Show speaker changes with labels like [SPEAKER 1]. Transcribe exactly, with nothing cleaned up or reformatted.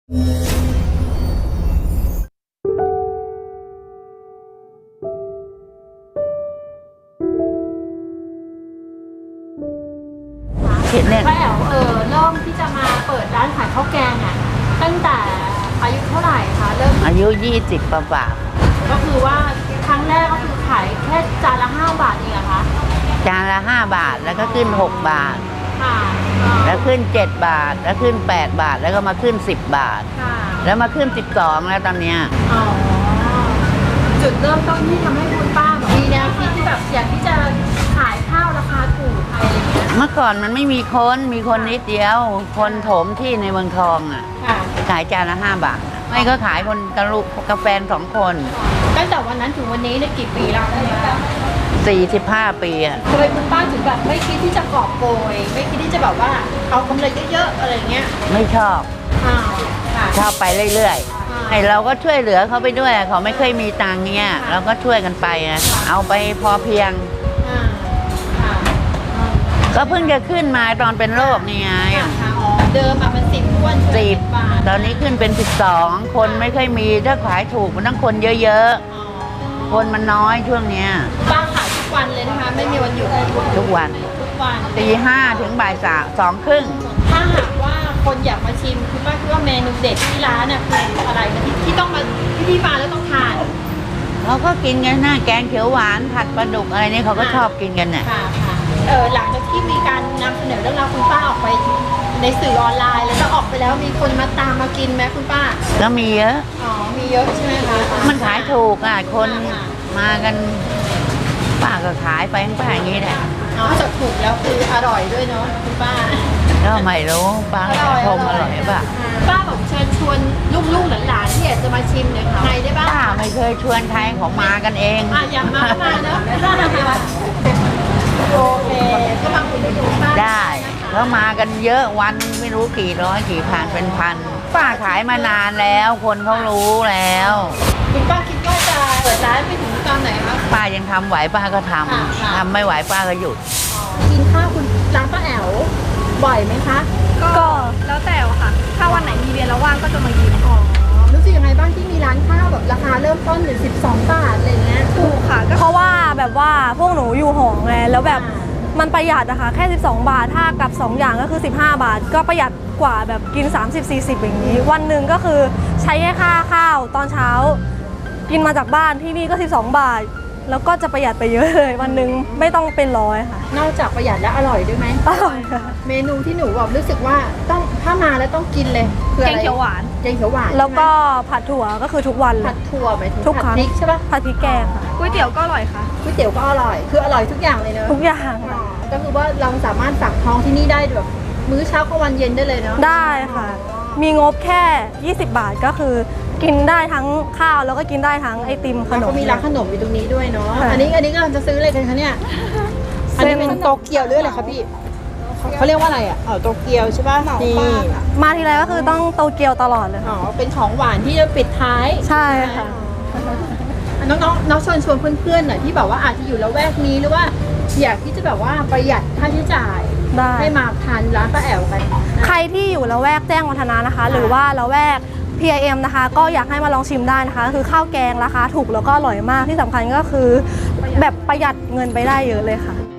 [SPEAKER 1] เห็นเนี่ย
[SPEAKER 2] ป้าแอ๋วเออเริ่มที่จะมาเปิดร้านขายข้าวแกงอ่ะตั้งแต่อายุเท่าไหร่คะเริ่ม
[SPEAKER 1] อายุยี่สิบประมาณ
[SPEAKER 2] ก็คือว่าครั้งแรกก็คือขายแค่จานละห้าบาทเองเหรอคะ
[SPEAKER 1] จานละห้าบาทแล้วก็ขึ้นหกบาท
[SPEAKER 2] ค่ะ
[SPEAKER 1] แล้วขึ้นเจ็ดบาทแล้วขึ้นแปดบาทแล้วก็มาขึ้นสิบบาท
[SPEAKER 2] ค่ะ
[SPEAKER 1] แล้วมาขึ้นสิบสองแล้วตอนเนี้ย
[SPEAKER 2] อ๋อจุดเริ่มต้นที่ทำให้คุณป้าแบบมีแนวคิดที่แบบอยากที่จะขายข้าวราคาถูกอะไรอย่างเงี้ย
[SPEAKER 1] เมื่อก่อนมันไม่มีคนมีคนนิดเดียว คนโถมที่ในเมืองทองอ่ะ
[SPEAKER 2] ค่ะ
[SPEAKER 1] ขายจานละห้าบาทไม่ก็ขายคนกระลุกกาแฟสองคน
[SPEAKER 2] ตั้งแต่วันนั้นถึงวันนี้เนี่ยกี่ปีแล้วเนี่ย
[SPEAKER 1] สี่สิบห้าปีอ่ะ
[SPEAKER 2] ทำไมคุณป้าถึงแบบไม่คิดที่จะกอบโกยไม่คิดที่จะแบบว่าเอากำไรเยอะๆอะไรเงี้ย
[SPEAKER 1] ไม่ชอบ
[SPEAKER 2] อ้าวค่ะ
[SPEAKER 1] ชอบไปเรื่อยๆไอเราก็ช่วยเหลือเขาไปด้วยเขาไม่เคยมีตังค์เงี้ยเราก็ช่วยกันไปอะเอาไปพอเพียง
[SPEAKER 2] อ่าค่ะอ่า
[SPEAKER 1] ก็เพิ่งจะขึ้นมาตอนเป็นโรคนี่ไง
[SPEAKER 2] ค่ะค่ะอ๋อเดิมอะมันสิบท้วน
[SPEAKER 1] สิบ
[SPEAKER 2] าท
[SPEAKER 1] ตอนนี้ขึ้นเป็นสิบสองคนไม่ค่อยมีถ้าขายถูกมันต้องคนเยอะ
[SPEAKER 2] อ๋อ
[SPEAKER 1] ๆ คนมันน้อยช่วงเนี้ย
[SPEAKER 2] ป้าขายทุกวันเลยนะคะไม่มีวันหยุด
[SPEAKER 1] ทุกวัน
[SPEAKER 2] ทุกวัน
[SPEAKER 1] ตีห้าถึงบ่ายสามสองครึ่ง
[SPEAKER 2] ถ้าหากว่าคนอยากมาชิมคุณป้าคิดว่าเมนูเด็ดที่ร้านน่ะคืออะไรนะที่ที่ต้องมาที่ที่มาแล้วต้องทาน
[SPEAKER 1] เขาก็กินกันนะแกงเขียวหวานผัดปลาดุกอะไรนี่เขาก็ชอบกินกันน่ะ
[SPEAKER 2] ค่ะค่ะเออหลังจากที่มีการนำเสนอเรื่องราวคุณป้าออกไปในสื่อออนไลน์แล้วก็ออกไปแล้วมีคนมาตามมากินไหมคุณป้า
[SPEAKER 1] ก็มีเยอะ
[SPEAKER 2] อ๋อมีเยอะใช่ไหมคะ
[SPEAKER 1] มันขายถูกอ่ะคนมากันป้าก็ขายไปป้าอย่างนี้แหละ
[SPEAKER 2] อ๋อจากถูกแล้วคืออร่อยด้วยเนาะคุณป้า
[SPEAKER 1] ก็ไม่รู้ป้าชมอร่อยป่ะ
[SPEAKER 2] ป้าบอกเชิญชวนลูกๆหลานๆที่อยากจะมาชิมเนี่ยค่ะใครได้บ้าง
[SPEAKER 1] ป้าไม่เคยชวนใครของมากันเอง
[SPEAKER 2] อ่ะอยากมาก็มาเนาะโอเคก็มาคุยกับคุณป้า
[SPEAKER 1] ได้เขามากันเยอะวันไม่รู้กี่ร้อยกี่พันเป็นพันป้าขายมานานแล้ว คนเขารู้แล้ว
[SPEAKER 2] คุณป้าคิดว่าจะเปิดร้านไปถึงตอนไหนคะ
[SPEAKER 1] ป้ายังทำไหวป้าก็ทำ
[SPEAKER 2] ค่ะค่ะ
[SPEAKER 1] ทำไม่ไหวป้าก็หยุด
[SPEAKER 2] กินข้าวคุณร้านป้าแอ๋วบ่อยไหมคะ
[SPEAKER 3] ก็แล้วแต่ค่ะ ถ้าวันไหนมีเรียนแล้วว่างก็จะมากิน
[SPEAKER 2] อ๋อรู้สึกยังไงบ้างที่มีร้านข้าวแบบราคาเริ่มต้นอยู่สิบสองบาทอะไรเงี้ย
[SPEAKER 3] ถูกค่ะก็เพราะว่าแบบว่าพวกหนูอยู่หอไงแล้วแบบ
[SPEAKER 2] อ่า
[SPEAKER 3] มันประหยัดนะคะแค่สิบสองบาทถ้ากับสองอย่างก็คือสิบห้าบาท ก็ประหยัดกว่าแบบกินสามสิบ สี่สิบอย่างนี้ วันหนึ่งก็คือใช้แค่ค่าข้าวตอนเช้า กินมาจากบ้านที่นี่ก็สิบสองบาท แล้วก็จะประหยัดไปเยอะเลยวันหนึ่งไม่ต้องเป็นร้อยค่ะ
[SPEAKER 2] นอกจากประหยัดแล้วอร่อยด้วยไหม
[SPEAKER 3] อร่อยค่ะ
[SPEAKER 2] เมนูที่หนูแบบรู้สึกว่าต้องถ้ามาแล้วต้องกินเลยคือ
[SPEAKER 3] แก
[SPEAKER 2] อะไร
[SPEAKER 3] งเขียวหวาน
[SPEAKER 2] แกงเขียวหวาน
[SPEAKER 3] แล้วก็ผัดถั่วก็คือทุกวันเล
[SPEAKER 2] ผั
[SPEAKER 3] ย
[SPEAKER 2] ดถั่วหมายถึง
[SPEAKER 3] ทุกค
[SPEAKER 2] ผั
[SPEAKER 3] รั้
[SPEAKER 2] ด
[SPEAKER 3] ง
[SPEAKER 2] พริกใช่ปะ
[SPEAKER 3] ผัดพริกแกงค่ะก๋วยเตี๋ยวก็อร่อยค่ะ
[SPEAKER 2] ก๋วยเตี๋ยวก็อร่อย คืออร่อยทุกอย่างเลยเนอะ
[SPEAKER 3] ทุกอย่าง
[SPEAKER 2] อ๋อ
[SPEAKER 3] ค่ะ
[SPEAKER 2] ก็คือว่าเราสามารถสั่งท้องที่นี่ได้แบบมื้อเช้ากลางวันเย็นได้เลยเนาะ
[SPEAKER 3] ได้ค่ะ มีงบแค่ยี่สิบบาทก็คือกินได้ทั้งข้าวแล้วก็กินได้ทั้งไอติมข
[SPEAKER 2] แล้ว
[SPEAKER 3] น
[SPEAKER 2] ก็
[SPEAKER 3] ม
[SPEAKER 2] มีร้านขนมอยู่ตรงนี้ด้วยเนาะ
[SPEAKER 3] ค่ะ
[SPEAKER 2] อันนี้อันนี้กำลังจะซื้ออะไรกันคะเนี่ยอันนี้เป็นโตเกียวหรืออะไรคะพี่เขาเรียกว่าอะไรอ่ะอ๋อโตเกียวใช่ป่ะนี่
[SPEAKER 3] มาทีไรก็คือต้องโตเกียวตลอดเลย
[SPEAKER 2] อ๋
[SPEAKER 3] ค่ะ
[SPEAKER 2] อเป็นของหวานที่จะปิดท้าย
[SPEAKER 3] ใช่ค่ะ
[SPEAKER 2] อ่ะน้องๆน้องชวนชวนเพื่อนๆหน่อยที่แบบว่าอาจจะอยู่ละแวกนี้หรือว่าอยากที่จะแบบว่าประหยัดค่าใช้จ่าย
[SPEAKER 3] ได้
[SPEAKER 2] ให้มาทานร้านป้าแอ๋วกัน
[SPEAKER 3] ใครที่อยู่ละแวกแจ้งวัฒนะนะคะ หรือว่าละแวก พี ไอ เอ็ม นะคะ ก็อยากให้มาลองชิมได้นะคะ คือข้าวแกงราคาถูกแล้วก็อร่อยมากที่สำคัญก็คือ แบบประหยัดเงินไปได้เยอะเลยค่ะ